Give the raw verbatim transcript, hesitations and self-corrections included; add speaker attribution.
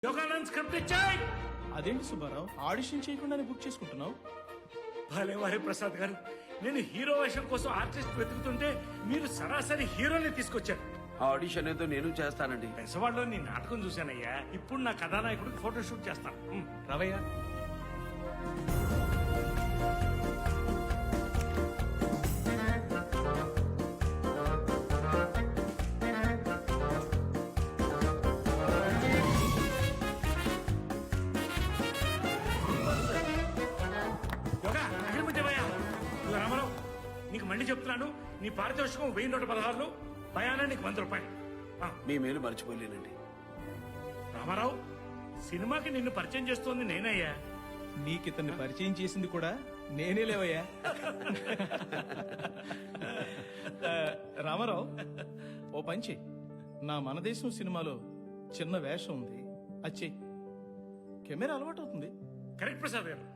Speaker 1: Yoganand script ఇచ్చాయి.
Speaker 2: అదేంటి Subbarao, audition చేయకుండానే బుక్ చేసుకుంటున్నావు?
Speaker 1: భలే వారి ప్రసాద్ గారు, నేను హీరో వేషం కోసం ఆర్టిస్ట్ వెతుకుతుంటే మీరు సరాసరి హీరోని తీసుకొచ్చారు.
Speaker 3: ఆ ఆడిషన్ ఏదో నేను చేస్తానండి.
Speaker 1: పెసవాడలో నీ నాటకం చూశానయ్యా. ఇప్పుడు నా కథానాయకుడికి ఫోటో షూట్ చేస్తాను. ఉమ్.
Speaker 2: రవయ్య,
Speaker 1: యోగా అగ్రిమెంట్ ఇవ్వయ్యా. ఇదిగో రామారావు, నీకు మళ్ళీ చెప్తున్నాను, నీ పారితోషికం వెయ్యి నూట పదహారులు, భయానా నీకు వంద రూపాయలు. ఆ,
Speaker 3: మీ మేలు మర్చిపోలేనండి.
Speaker 1: రామారావు, సినిమాకి నిన్ను పరిచయం చేస్తోంది నేనయ్యా.
Speaker 2: నీకితన్ని పరిచయం చేసింది కూడా నేనే లేవయ్యా. ఆ, రామారావు, ఓ పంచి, నా మనదేశం సినిమాలో చిన్న వేషం ఉంది, అది చెయ్యి. కెమెరా అలవాటు అవుతుంది.
Speaker 1: కరెక్ట్ ప్రసాద్ గారు.